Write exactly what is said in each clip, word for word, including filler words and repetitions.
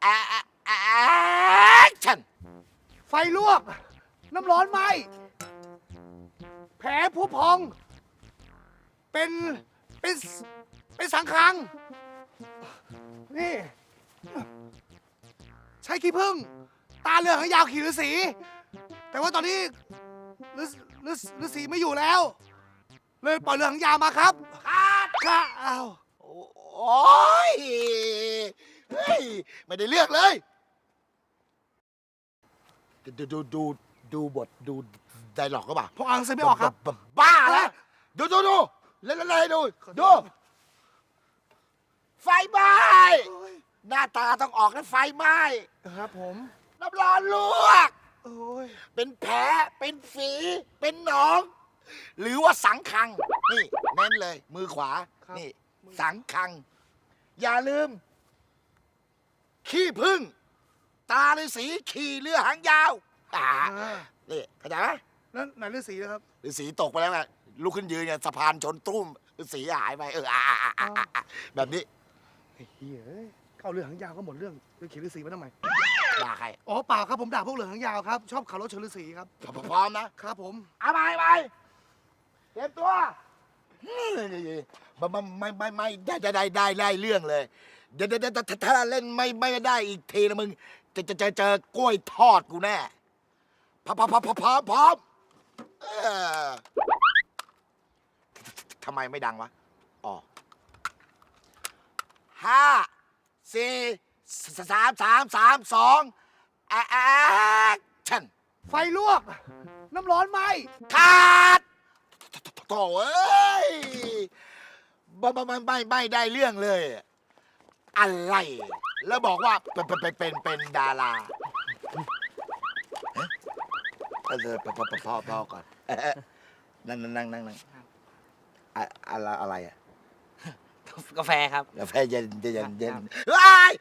แอแอคชั่นไฟลวก น้ำร้อนไหมแผลผู้พอง เป็น เป็น เป็นสังคัง นี่ ใช้ขี้ผึ้ง ตาเหลืองหางยาวขี่ฤาษี แต่ว่าตอนนี้ฤาษีฤาษีไม่อยู่แล้ว เลยปล่อยเรือหางยาวมาครับครับค่ะอ้าวโอ้ยเฮ้ยไม่ได้เลือกเลย ดูดูดูดูบทดูไดร็อกก็ป่ะพออ่านหนังสือไม่ออกครับบ้าแล้วดูดูดูเล่นอะไรดูดูไฟไหม้หน้าตาต้องออกนะไฟไหม้ครับผมน้ำร้อนลวกโอ้ยเป็นแผลเป็นฝีเป็นหนอง หรือว่าสังคัง นี่เน้นเลย มือขวา นี่ สังคัง อย่าลืม ขี้พึ่ง ตาฤาษีขี่เรือหางยาวอ่าอ่านี่เข้าใจไหมแล้วไหนฤาษีนะครับฤาษีตกไปแล้วไงลุกขึ้นยืนไงสะพานชนตุ้มฤาษีหายไปเอออ่าอ่าอ่าอ่าอ่าแบบนี้ไอ้เหี้ยเอ้ยเข้าเรือหางยาวก็หมดเรื่องเรื่องขี่ฤาษีมาทำไมด่าใครอ๋อเปล่าครับผมด่าพวกเรือหางยาวครับ ชอบขับรถชนฤาษีครับพร้อมนะครับผมเอาไปไปเตรียมตัวไม่ไม่ไม่ไม่ได้ได้ได้ได้ได้เรื่องเลยเดี๋ยวเดี๋ยวถ้าเล่นไม่ไม่ได้อีกทีนะมึงจะจะจะเจอกล้วยทอดกูแน่พร้อมพร้อมพร้อมพร้อมพร้อมเออทำไมไม่ดังวะอ๋อห้าสี่สามสามสามสองแอคชั่นไฟลวก น้ำร้อนไหมขาดโถ่เอ้ยไม่ไม่ไม่ไม่ได้เรื่องเลย อะไร แล้วบอกว่าเป็นเป็นเป็นเป็นดาราเออพอพอพอพอก่อนนั่งนั่งนั่งนั่งนั่งอะไรอะไรอะกาแฟครับกาแฟเย็นเย็นเย็นว้าย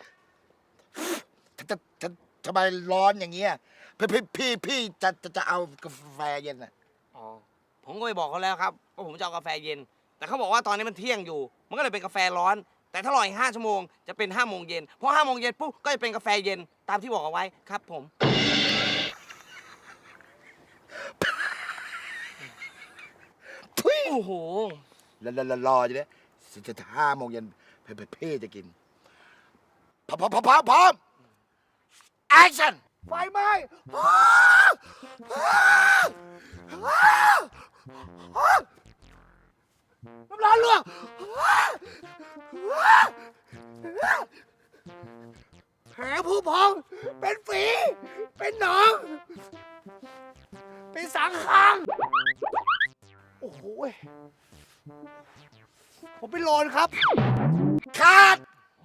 ทำไมร้อนอย่างเงี้ยพี่พี่พี่พี่จะจะจะเอากาแฟเย็นอะอ๋อ ผมก็ไปบอกเขาแล้วครับว่าผมจะเอากาแฟเย็น แต่เขาบอกว่าตอนนี้มันเที่ยงอยู่ มันก็เลยเป็นกาแฟร้อน แต่ถ้ารออีกห้าชั่วโมงจะเป็นห้าโมงเย็นพอห้าโมงเย็นปุ๊บก็จะเป็นกาแฟเย็นตามที่บอกเอาไว้ครับผมทุยโอ้โหแล้วแล้วรออยู่เนี่ยจะห้าโมงเย็นเพ่เพ่จะกินพร้อมพร้อมพร้อมพร้อมแอคชั่นไฟไหม้น้ำร้อนลวก แผลผู้พอง เป็นฝี เป็นหนอง เป็นสังคัง โอ้โหยผมเป็นโลนครับขาด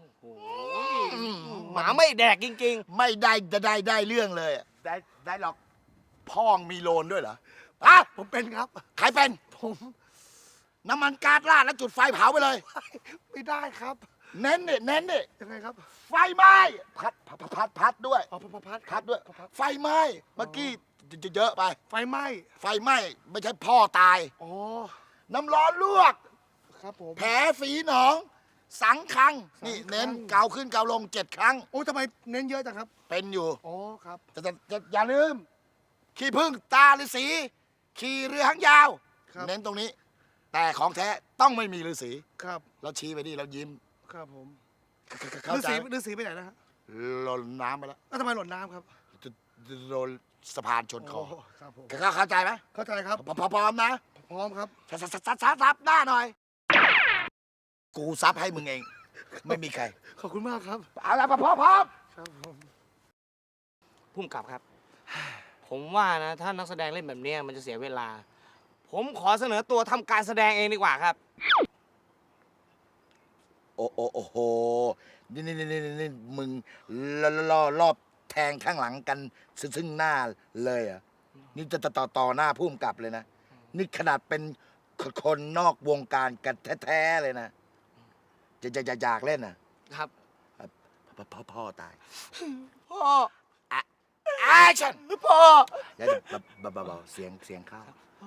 หมาไม่แดกจริงไม่ได้จะได้ได้เรื่องเลยได้ได้หรอกพ่องมีโลนด้วยเหรออ่ะผมเป็นครับใครเป็นผมน้ำมันก๊าซราดแล้วจุดไฟเผาไปเลยไม่ได้ครับเน้นดิเน้นดิยังไงครับไฟไหม้พัดพัดพัดพัดด้วยอ๋อพัดพัดพัดด้วยพัดไฟไหม้เมื่อกี้จะเยอะไปไฟไหม้ไฟไหม้ไม่ใช่พ่อตายอ๋อน้ำร้อนลวกครับผมแผลฝีหนอง สังคัง นี่สังคังเน้นเกาขึ้นเกาลงเจ็ดครั้งโอ้ยทำไมเน้นเยอะจังครับเป็นอยู่อ๋อครับแต่แต่แต่อย่าลืม ขี้พึ่งตาฤาษีขี่เรือหางยาวครับเน้นตรงนี้ แต่ของแท้ต้องไม่มีฤาษีครับเราชี้ไปนี่เรายิ้มครับผมเข้าฤาใจษีไหมฤาษีไปไหนนะฮะหล่นน้ำไปแล้วแล้วทำไมหล่นน้ำครับโดนสะพานชนคอโครับผมเข้าใจไหมเข้าใจครับพร้อมๆนะพร้อมครับซับซับซับซับซับหน้าหน่อย กูซับให้มึงเอง ไม่มีใครขอบคุณมากครับเอาละพร้อมพร้อมครับผมๆพุ่มกลับครับ ผมว่านะถ้านักแสดงเล่นแบบเนี้ยมันจะเสียเวลา ผมขอเสนอตัวทำการแสดงเองดีกว่าครับโอ้โอ้โอ้โห นี่นี่นี่นี่นี่มึงล่อล่อรอบแทงข้างหลังกันซึ่งหน้าเลยอ่ะ นี่จะต่อต่อหน้าพุ่มกลับเลยนะ นี่ขนาดเป็นคนนอกวงการกันแท้ๆเลยนะ จะจะจะอยากเล่นอ่ะครับพ่อพ่อพ่อตายพ่อแอคชั่นพ่ออย่าเบาเบาๆเสียงเสียงเข้า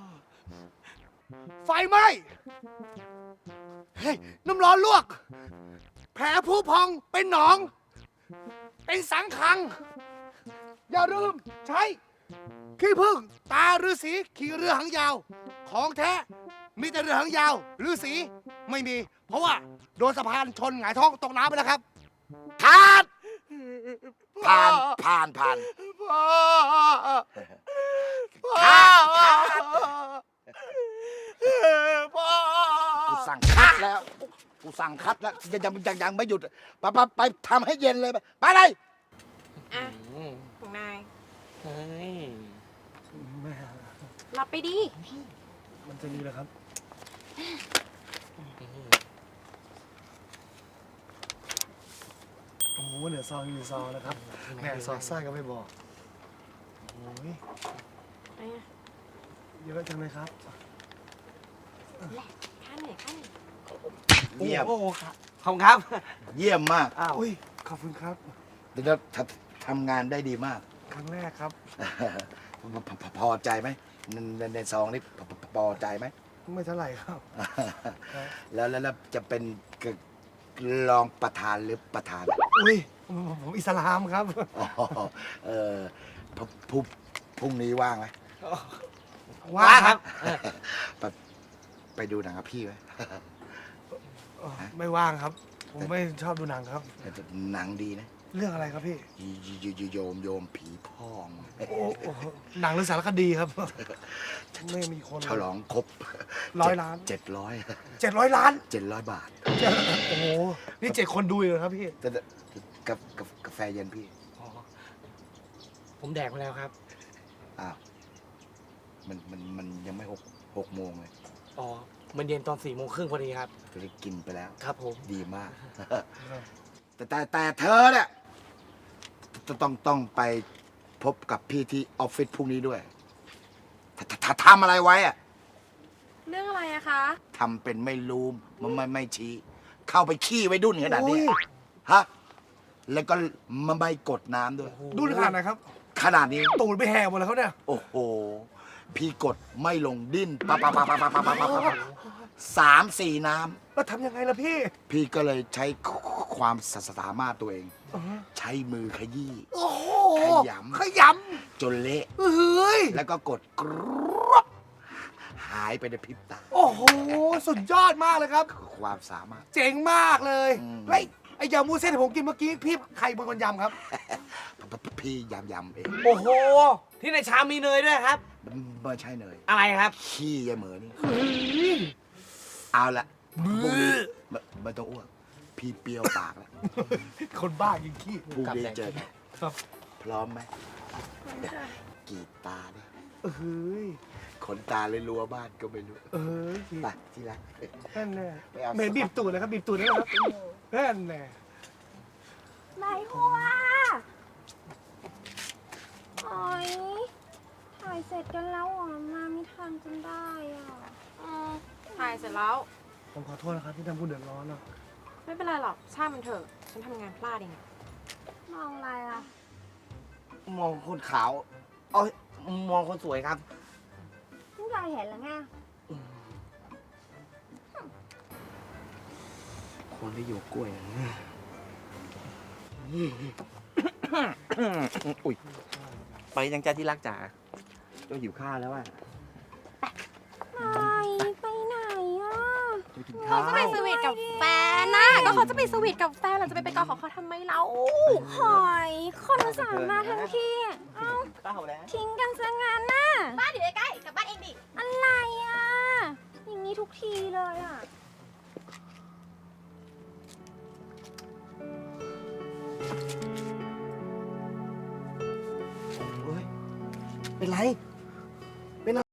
ไฟไหม้เฮ้ยน้ำร้อนลวก แผลผู้พอง เป็นหนองเป็นสังขัง อย่าลืมใช้ขี้ผึ้งตาฤาษีขี่เรือหางยาว ของแท้มีแต่เรือหางยาวฤาษีไม่มี เพราะว่าโดนสะพานชนหงายท้องตกน้ำไปแล้วครับผ่านผ่านผ่านผ่านพ่อพ่อคัดคัดพ่อกูสั่งคัดแล้ว กูสั่งคัดแล้วยังยังยังยังไม่หยุดไปไปไปทำให้เย็นเลยไปไปเลยอ่ะของนายเฮ้ยแม่รับไปดิมันจะดีเหรอครับ โอ้โหเหลือซองอยู่ซองนะครับแม่ซองไส้ก็ไม่บอก โอ้ยไปอ่ะเยอะจังเลยครับแหละข้าเหนื่อยข้าเหนื่อยเยี่ยมโอ้โหครับขอบคุณครับเยี่ยมมากอ้าวอุ้ยขอบคุณครับเดี๋ยวทำทำงานได้ดีมากครั้งแรกครับพอพอพอใจไหมในในในซองนี้พอพอพอใจไหมไม่เท่าไหร่ครับแล้วแล้วแล้วจะเป็นรองประธานหรือประธานอุ้ยผมผมอิสลามครับอ๋อเออพพรุ่งพรุ่งนี้ว่างไหมว่างครับไปไปดูหนังกับพี่ไหมเออไม่ว่างครับ ผมไม่ชอบดูหนังครับแต่หนังดีนะเรื่องอะไรครับพี่โยโยโยโยมโยมผีพ่องโอ้โอ้หนังหรือสารคดีครับ ไม่มีคนฉลองครบร้อยล้านเจ็ดร้อยเจ็ดร้อยล้านเจ็ดร้อยบาทโอ้โห นี่เจ็ดคนดูอยู่เหรอครับพี่แต่แต่กับกับกาแฟเย็นพี่อ๋อผมแดกมาแล้วครับอ้าวมันมันมันยังไม่หกหกโมงเลยอ๋อ มันเย็นตอนสี่โมงครึ่งพอดีครับจะได้กินไปแล้วครับผมดีมาก แต่แต่แต่เธอเนี่ยจะต้องต้องไปพบกับพี่ที่ออฟฟิศพรุ่งนี้ด้วย ถ้าถ้าถ้าทำอะไรไว้อะเรื่องอะไรอะคะทำเป็นไม่รู้มันไม่ไม่ชี้ เข้าไปขี้ไว้ดุนขนาดนี้โอ้ยฮะ แล้วก็มาไม่กดน้ำด้วยดูขนาดไหนครับขนาดนี้ตูดไปแหกหมดแล้วเขาเนี่ยโอ้โห พี่กดไม่ลงดิ้นปะปะปะปะปะปะปะปะปะสามสี่น้แล้วทำยังไงล่ะพี่ำพี่ก็เลยใช้ความสามารถตัวเองอ๋อใช้มือขยี้โอ้โหขยำขยจนเละำเฮ้ยแล้วก็กดกรอบหายไปในพริบตาโอ้โห สุดยอดมากเลยครับความสามารถเจ๋งมากเลยอืมไอ้ยไอ้ยำมูเส้นที่ผมกินเมื่อกี้พี่ใครเป็นคนยำครับพี่ยำยำเองโอ้โห ที่ในชามมีเนยด้วยครับไม่ใช่เนยอะไรครับขี้ยายเหมือนี่ เอาละพรุ่งนี้ไม่ไม่ต้องอ้วก พี่เปรี้ยวปากแล้วคนบ้ากินขี้พรุ่งนี้เจอกันครับพร้อมไหมกรีดตาด้วยเฮ้ยขนตาเลยรัวบ้านก็ไม่รู้เอ้ยไปที่รักนั่นแน่ไปเอาเหม็นบีบตูดเลยครับบีบตูดได้ไหมครับนั่นแน่นายหัวโอ๊ยถ่ายเสร็จกันแล้วอ่ะมาไม่ทันจนได้อ่ะอืมถ่ายเสร็จแล้วผมขอโทษนะครับที่ทำผู้เดือดร้อนอ่ะไม่เป็นไรหรอกช่างมันเถอะ ฉันทำงานพลาดเองอะมองอะไรอ่ะมองคนขาวเอ้ยมองคนสวยครับไม่อยากเห็นหรอไงคนที่อยู่กล้วยอุ้ยไปยังจ้าที่รักจ๋าเจ้าหิวข้าวแล้วอ่ะไปไปไหนอ่ะจะกินเราข้าวจะไปสวีทกับแฟนนะก็เขาจะไปสวีทกับแฟนเราจะไปไปกอดของเขาทำไมเราหอยคนอุตสาห์มาทั้งทีเอ้าข้าวแล้วทิ้งกันซะงั้นน่ะบ้านอยู่ใกล้ๆกลับบ้านเองดิ อะไรอ่ะ อย่างนี้ทุกทีเลยอ่ะเป็นไร